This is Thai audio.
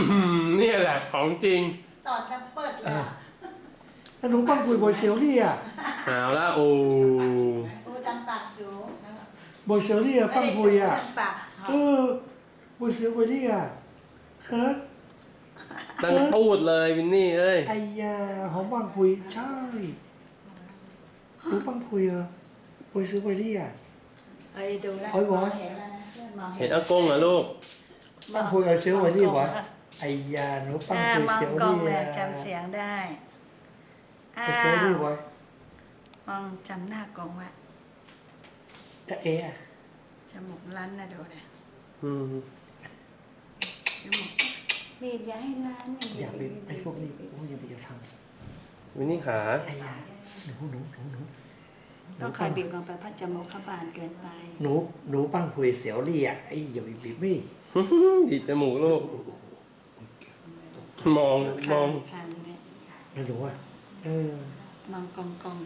นี่แหละของจริงต่อจะเปิดเลยอะขนมปังคุยบอยเซลลี่อ่ะเอาละโอ้โอ้จำปากอยู่บอยเซลลี่อ่ะปังคุยอ่ะจำปากบอยเซลลี่อ่ะฮะตั้งพูดเลยวินนี่เอ้ยไอ้ยาหอมปังคุยใช่รู้ปังคุยเหรอบอยเซลลี่อ่ะเอ้ยดูแล้วโอ้ยบอยเห็นแล้วนะเพื่อนมองเห็นอากงเหรอลูกปังคุยบอยเซลลี่วะไอ้ยาหนูปังคุยมองเซลกล้องลี่เลอ่ะยจำเสียงได้อ้าบอยเซลลี่ววะมองจำหน้ากล้องไว้จะเอะจมูกรั้นนะดูเลยอืมจมูกบีบอย่าให้รั้นอย่าไปไอ้พวกนี้โอ้ยอย่าไปจะทวินนี่ขาำไอ้ยาหนูต้องคอยบีบลงไปเพราะจมูกเขาบานเกินไปหนูปังคุยเซลลี่อ่ะไอ้อย่าไปบีบไม่ดีดจมูกลูก มองข้างเนี่ยไม่รู้อ่ะมองกอง